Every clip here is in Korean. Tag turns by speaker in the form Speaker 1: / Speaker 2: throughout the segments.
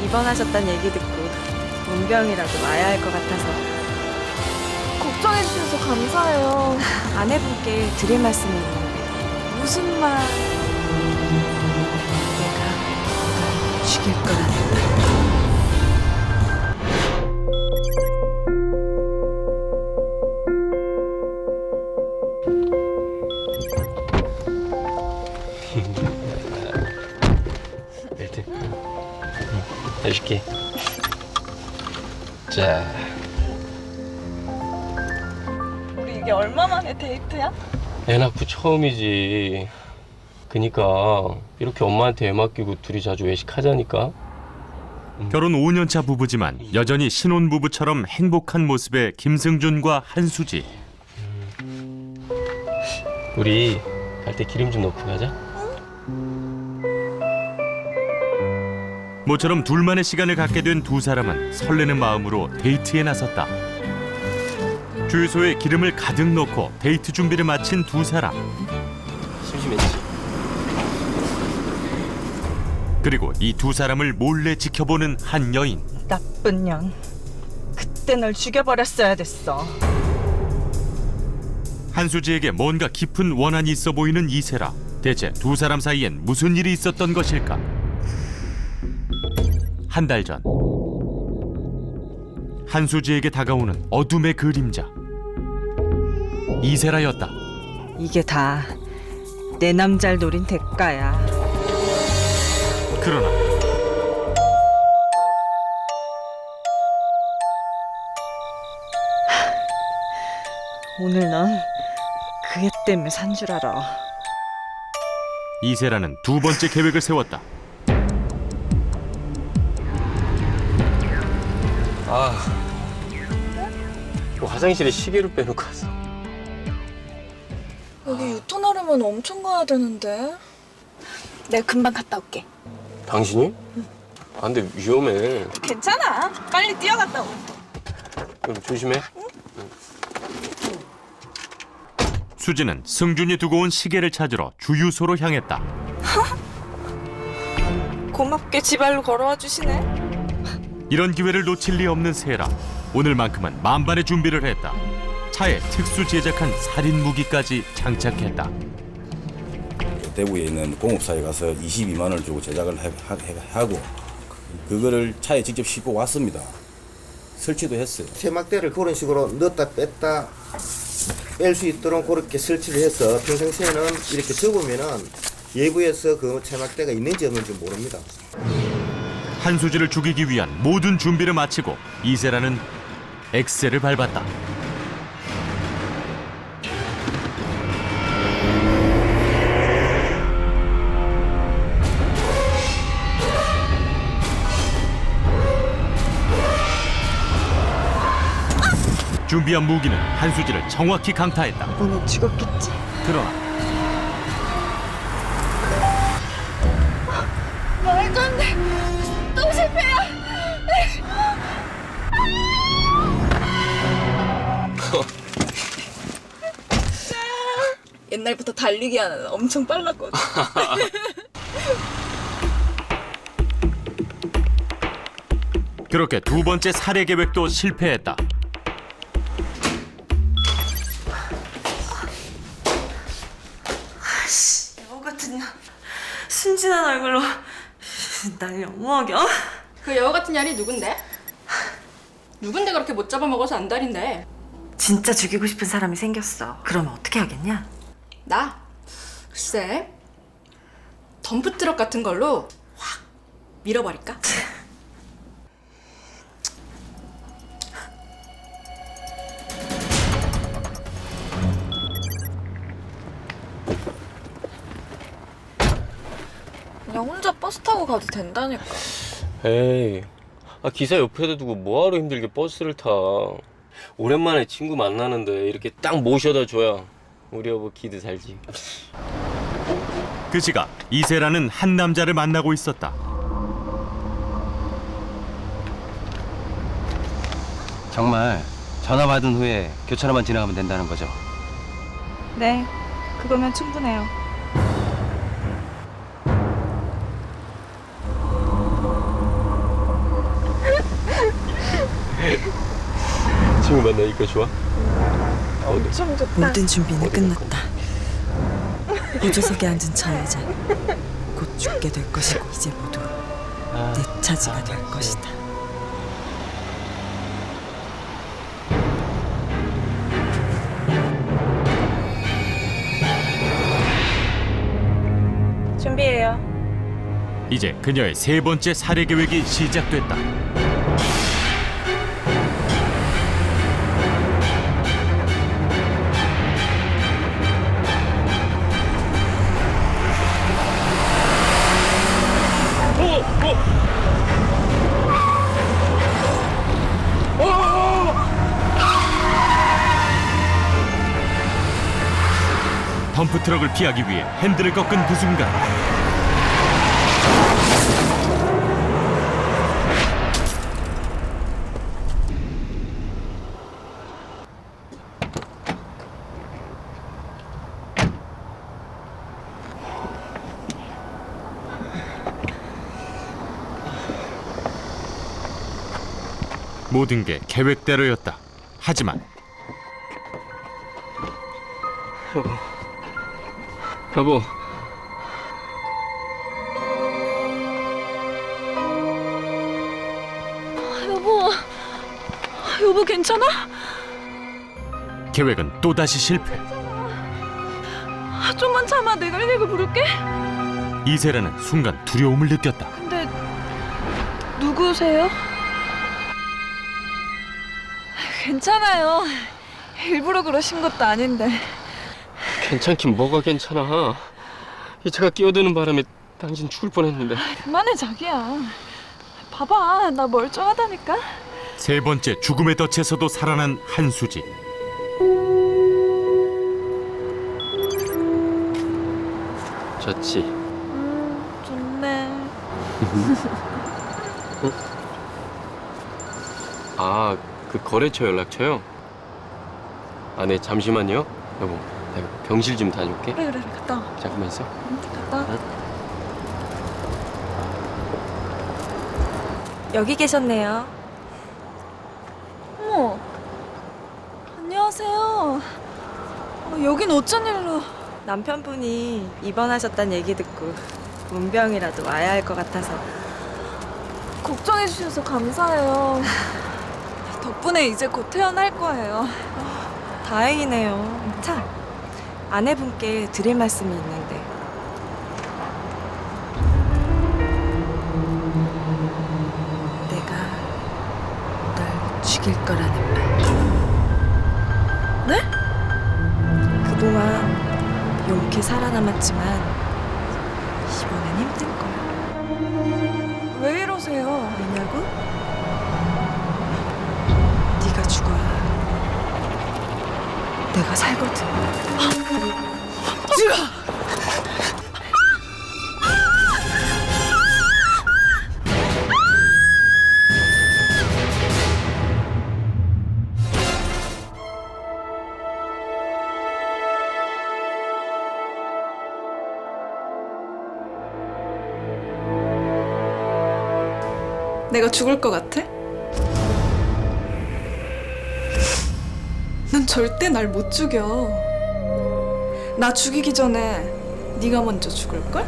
Speaker 1: 입원하셨다는 얘기 듣고 문병이라도 와야 할 것 같아서.
Speaker 2: 걱정해 주셔서 감사해요.
Speaker 1: 아내분께 드릴 말씀이 있는데.
Speaker 2: 무슨 말?
Speaker 1: 내가 죽일 거란다.
Speaker 3: 벨트. 해줄게. 자.
Speaker 2: 우리 이게 얼마 만에 데이트야?
Speaker 3: 애 낳고 처음이지. 그니까 이렇게 엄마한테 애 맡기고 둘이 자주 외식하자니까.
Speaker 4: 결혼 5년차 부부지만 여전히 신혼부부처럼 행복한 모습의 김승준과 한수지.
Speaker 3: 우리 갈 때 기름 좀 넣고 가자.
Speaker 4: 모처럼 둘만의 시간을 갖게 된 두 사람은 설레는 마음으로 데이트에 나섰다. 주유소에 기름을 가득 넣고 데이트 준비를 마친 두 사람.
Speaker 3: 심심했지.
Speaker 4: 그리고 이 두 사람을 몰래 지켜보는 한 여인.
Speaker 2: 나쁜 년. 그때 널 죽여버렸어야 됐어.
Speaker 4: 한수지에게 뭔가 깊은 원한이 있어 보이는 이세라. 대체 두 사람 사이엔 무슨 일이 있었던 것일까? 한 달 전 한수지에게 다가오는 어둠의 그림자. 이세라였다.
Speaker 1: 이게 다 내 남자를 노린 대가야.
Speaker 4: 그러나
Speaker 1: 오늘 넌 그애 때문에 산 줄 알아.
Speaker 4: 이세라는 두 번째 계획을 세웠다.
Speaker 3: 화장실에 시계를 빼놓고 왔어.
Speaker 2: 여기 유턴하려면 엄청 가야 되는데. 내가 금방 갔다 올게.
Speaker 3: 당신이? 아, 근데 위험해.
Speaker 2: 괜찮아. 빨리 뛰어갔다 오.
Speaker 3: 그럼 조심해.
Speaker 4: 수지는 승준이 두고 온 시계를 찾으러 주유소로 향했다.
Speaker 2: 고맙게 지발로 걸어와 주시네.
Speaker 4: 이런 기회를 놓칠 리 없는 세라. 오늘만큼은 만반의 준비를 했다. 차에 특수 제작한 살인 무기까지 장착했다.
Speaker 5: 대구에 있는 공업사에 가서 22만 원을 주고 제작을 하고 그거를 차에 직접 싣고 왔습니다. 설치도 했어요.
Speaker 6: 세막대를 그런 식으로 넣었다 뺐다 뺄 수 있도록 그렇게 설치를 해서 평상시에는 이렇게 접으면은 외부에서 그 세막대가 있는지 없는지 모릅니다.
Speaker 4: 한수지를 죽이기 위한 모든 준비를 마치고 이세라는 엑셀을 밟았다. 준비한 무기는 한수지를 정확히 강타했다.
Speaker 1: 이번엔 죽었겠지.
Speaker 4: 그러나
Speaker 2: 말도 안 돼. 또 실패야. 옛날부터 달리기 하는 엄청 빨랐거든.
Speaker 4: 그렇게 두 번째 살해 계획도 실패했다.
Speaker 1: 여우 같은 년. 순진한 얼굴로 날 영어하겨?
Speaker 7: 그 여우 같은 년이 누군데? 누군데 그렇게 못 잡아먹어서 안달인데?
Speaker 1: 진짜 죽이고 싶은 사람이 생겼어. 그러면 어떻게 하겠냐?
Speaker 7: 나? 글쎄 덤프트럭 같은 걸로 확 밀어버릴까?
Speaker 2: 그냥 혼자 버스 타고 가도 된다니까.
Speaker 3: 에이, 기사 옆에다 두고 뭐하러 힘들게 버스를 타. 오랜만에 친구 만나는데 이렇게 딱 모셔다 줘야 우리 여보 기드 살지.
Speaker 4: 그 시각 이세라는 한 남자를 만나고 있었다.
Speaker 8: 정말 전화 받은 후에 교차로만 지나가면 된다는 거죠?
Speaker 1: 네, 그거면 충분해요.
Speaker 3: 친구 만나니까 좋아?
Speaker 2: 엄청 좋다.
Speaker 1: 모든 준비는 끝났다. 보조석에 앉은 저 여자 곧 죽게 될 것이고 이제 모두 내 차지가 될 것이다.
Speaker 2: 준비해요.
Speaker 4: 이제 그녀의 세 번째 살해 계획이 시작됐다. 덤프트럭을 피하기 위해 핸들을 꺾은 그 순간 모든 게 계획대로였다. 하지만
Speaker 3: 여보.
Speaker 2: 여보 괜찮아?
Speaker 4: 계획은 또다시 실패.
Speaker 2: 좀만 참아. 내가 119 부를게.
Speaker 4: 이세라는 순간 두려움을 느꼈다.
Speaker 2: 근데 누구세요? 괜찮아요. 일부러 그러신 것도 아닌데.
Speaker 3: 괜찮긴 뭐가 괜찮아. 이 차가 끼어드는 바람에 당신 죽을 뻔했는데.
Speaker 2: 그만해 자기야. 봐봐 나 멀쩡하다니까.
Speaker 4: 세 번째 죽음의 덫에서도 살아난 한수지.
Speaker 3: 좋지.
Speaker 2: 좋네.
Speaker 3: 아, 그 거래처 연락처요? 아, 네, 잠시만요. 여보, 내가 병실 좀 다녀올게.
Speaker 2: 그래 갔다 와.
Speaker 3: 잠깐만 있어.
Speaker 2: 갔다 와.
Speaker 1: 여기 계셨네요.
Speaker 2: 어머 안녕하세요. 여긴 어쩐 일로.
Speaker 1: 남편분이 입원하셨다는 얘기 듣고 문병이라도 와야 할 것 같아서.
Speaker 2: 걱정해 주셔서 감사해요. 덕분에 이제 곧 퇴원할 거예요.
Speaker 1: 다행이네요. 참, 아내분께 드릴 말씀이 있는데. 내가 널 죽일 거라는 말.
Speaker 2: 네?
Speaker 1: 그동안 용케 살아남았지만 이번엔 힘들 거야.
Speaker 2: 왜 이러세요?
Speaker 1: 왜냐고? 네가 죽어야 내가 살거든.
Speaker 2: 내가 죽을 것 같아? 넌 절대 날 못 죽여. 나 죽이기 전에 네가 먼저 죽을걸?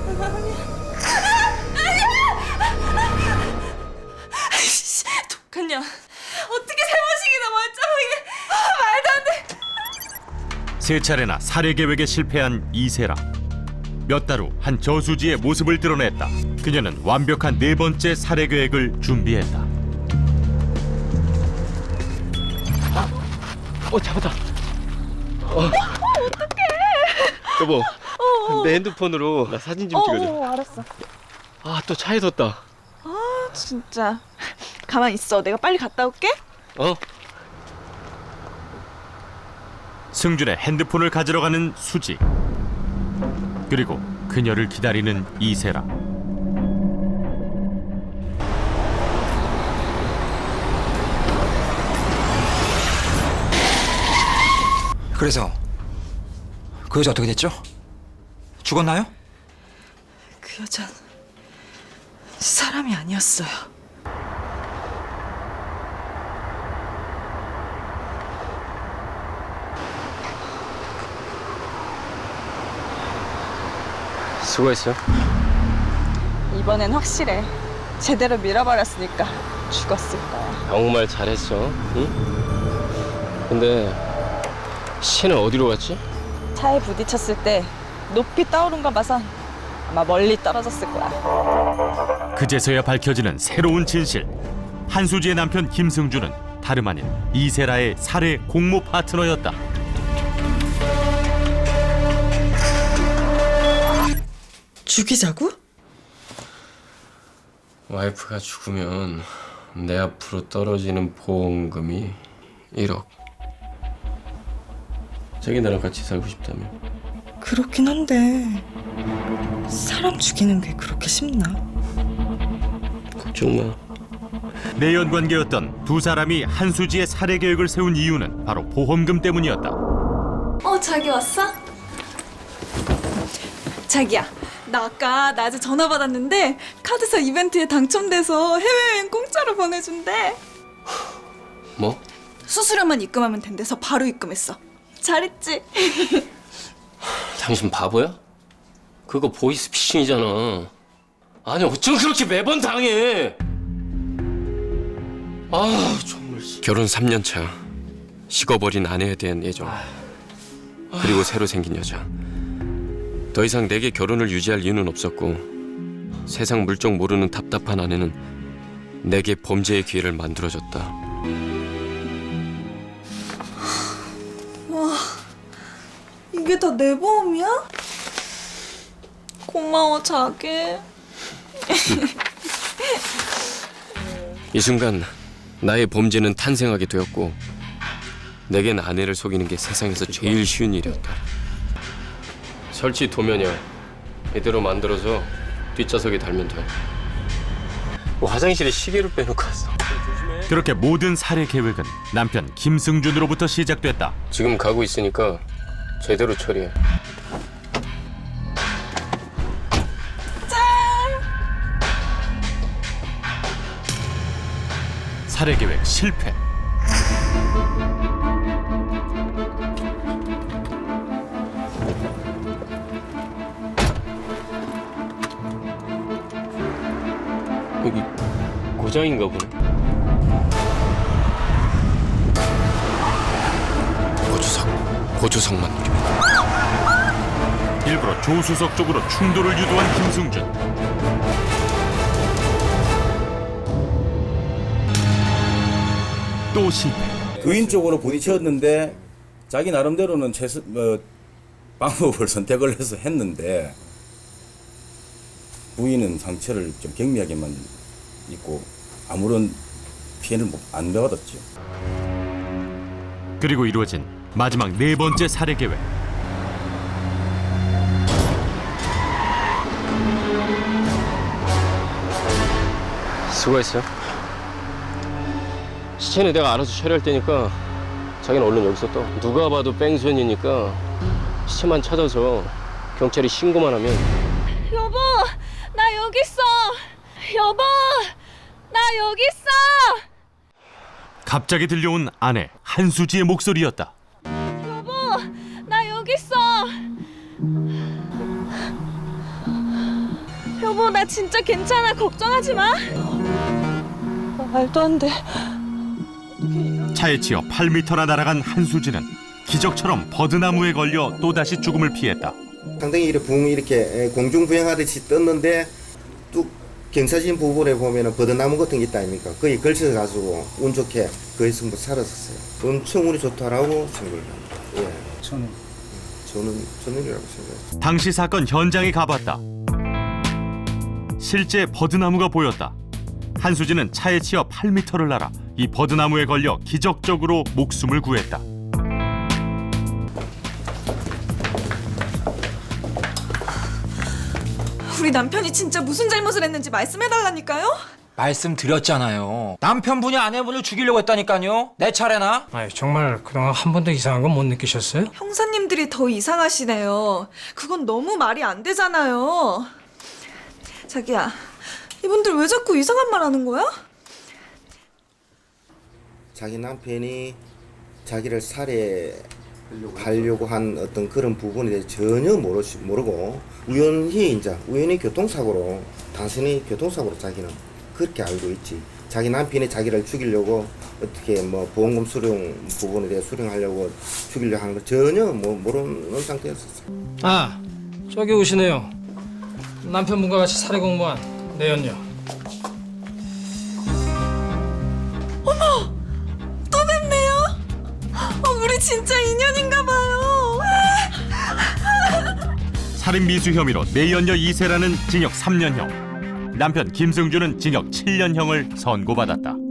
Speaker 2: 독한 년. 어떻게 세 번씩이나 멀쩡하게. 말도 안 돼.
Speaker 4: 세 차례나 살해 계획에 실패한 이세라. 몇 달 후 한 저수지의 모습을 드러냈다. 그녀는 완벽한 네 번째 살해 계획을 준비했다.
Speaker 3: 잡았다. 어떡해. 여보, 내 핸드폰으로 나 사진 좀 찍어줘.
Speaker 2: 알았어.
Speaker 3: 아, 또 차에 뒀다.
Speaker 2: 진짜. 가만 있어. 내가 빨리 갔다 올게.
Speaker 4: 승준의 핸드폰을 가지러 가는 수지. 그리고 그녀를 기다리는 이세라.
Speaker 9: 그래서 그 여자 어떻게 됐죠? 죽었나요?
Speaker 1: 그 여잔 사람이 아니었어요.
Speaker 3: 수고했어.
Speaker 2: 이번엔 확실해. 제대로 밀어버렸으니까 죽었을 거야.
Speaker 3: 정말 잘했어. 응? 근데 시체는 어디로 갔지?
Speaker 2: 차에 부딪혔을 때 높이 떠오른 거 봐선 아마 멀리 떨어졌을 거야.
Speaker 4: 그제서야 밝혀지는 새로운 진실. 한수지의 남편 김승주는 다름 아닌 이세라의 살해 공모 파트너였다.
Speaker 1: 죽이자고?
Speaker 3: 와이프가 죽으면 내 앞으로 떨어지는 보험금이 1억. 자기 나랑 같이 살고 싶다며.
Speaker 1: 그렇긴 한데 사람 죽이는 게 그렇게 쉽나?
Speaker 3: 걱정 마.
Speaker 4: 내연 관계였던 두 사람이 한수지의 살해 계획을 세운 이유는 바로 보험금 때문이었다.
Speaker 2: 자기 왔어? 자기야, 나 아까 낮에 전화 받았는데 카드사 이벤트에 당첨돼서 해외여행 공짜로 보내준대.
Speaker 3: 뭐?
Speaker 2: 수수료만 입금하면 된대서 바로 입금했어. 잘했지?
Speaker 3: 당신 바보야? 그거 보이스피싱이잖아. 아니 어쩜 그렇게 매번 당해? 아 정말. 결혼 3년 차. 식어버린 아내에 대한 애정. 그리고 새로 생긴 여자. 더 이상 내게 결혼을 유지할 이유는 없었고 세상 물정 모르는 답답한 아내는 내게 범죄의 기회를 만들어줬다.
Speaker 2: 이게 다 내 보험이야? 고마워, 자기.
Speaker 3: 이 순간 나의 범죄는 탄생하게 되었고 내겐 아내를 속이는 게 세상에서 제일 쉬운 일이었다. 설치 도면이야. 이대로 만들어서 뒷좌석에 달면 돼. 화장실에 시계를 빼놓고 왔어.
Speaker 4: 그렇게 모든 살해 계획은 남편 김승준으로부터 시작됐다.
Speaker 3: 지금 가고 있으니까 제대로 처리해.
Speaker 4: 살해 계획 실패.
Speaker 3: 여기 고장인가 보네. 보조석만 누르면.
Speaker 4: 일부러 조수석 쪽으로 충돌을 유도한 김승준. 또 실패.
Speaker 5: 부인 쪽으로 부딪혔는데 자기 나름대로는 방법을 선택을 해서 했는데 부인은 상처를 좀 경미하게만 입고 아무런 피해를 안 받았죠.
Speaker 4: 그리고 이루어진 마지막 네 번째 살해 계획.
Speaker 3: 수고했어. 시체는 내가 알아서 처리할 테니까 자기는 얼른 여기서 떠. 누가 봐도 뺑소니니까 시체만 찾아서 경찰이 신고만 하면.
Speaker 2: 여보, 나 여기 있어. 여보, 나 여기 있어.
Speaker 4: 갑자기 들려온 아내 한수지의 목소리였다.
Speaker 2: 여보, 나 여기 있어. 여보, 나 진짜 괜찮아. 걱정하지 마. 말도 안 돼.
Speaker 4: 차에 치여 8m나 날아간 한수지는 기적처럼 버드나무에 걸려 또다시 죽음을 피했다.
Speaker 6: 상당히 이렇게 공중 부양하듯이 떴는데 뚝 경사진 부분에 보면은 버드나무 같은 게 있다 아닙니까? 거기 걸쳐서 가지고 운 좋게 거기서 뭐 살았었어요. 엄청 운이 좋다라고 생각을 합니다. 예. 저는 천운이라고 생각해요.
Speaker 4: 당시 사건 현장에 가봤다. 실제 버드나무가 보였다. 한수지는 차에 치여 8m를 날아 이 버드나무에 걸려 기적적으로 목숨을 구했다.
Speaker 2: 우리 남편이 진짜 무슨 잘못을 했는지 말씀해달라니까요?
Speaker 9: 말씀드렸잖아요. 남편분이 아내분을 죽이려고 했다니까요. 내 차례나?
Speaker 10: 아니 정말 그동안 한 번도 이상한 건 못 느끼셨어요?
Speaker 2: 형사님들이 더 이상하시네요. 그건 너무 말이 안 되잖아요. 자기야, 이분들 왜 자꾸 이상한 말 하는 거야?
Speaker 6: 자기 남편이 자기를 살해한 하려고 한 어떤 그런 부분에 대해 전혀 모르고 우연히 교통사고로 단순히 교통사고로 자기는 그렇게 알고 있지. 자기 남편이 자기를 죽이려고 어떻게 뭐 보험금 수령 부분에 대해 수령하려고 죽이려고 하는 걸 전혀 모르는 상태였었어요.
Speaker 10: 아, 저기 오시네요. 남편분과 같이 사례 공무한 내연녀.
Speaker 2: 또 뵙네요. 우리 진짜 인연인가 봐요.
Speaker 4: 살인 미수 혐의로 내연녀 이세라는 징역 3년형, 남편 김승주는 징역 7년형을 선고받았다.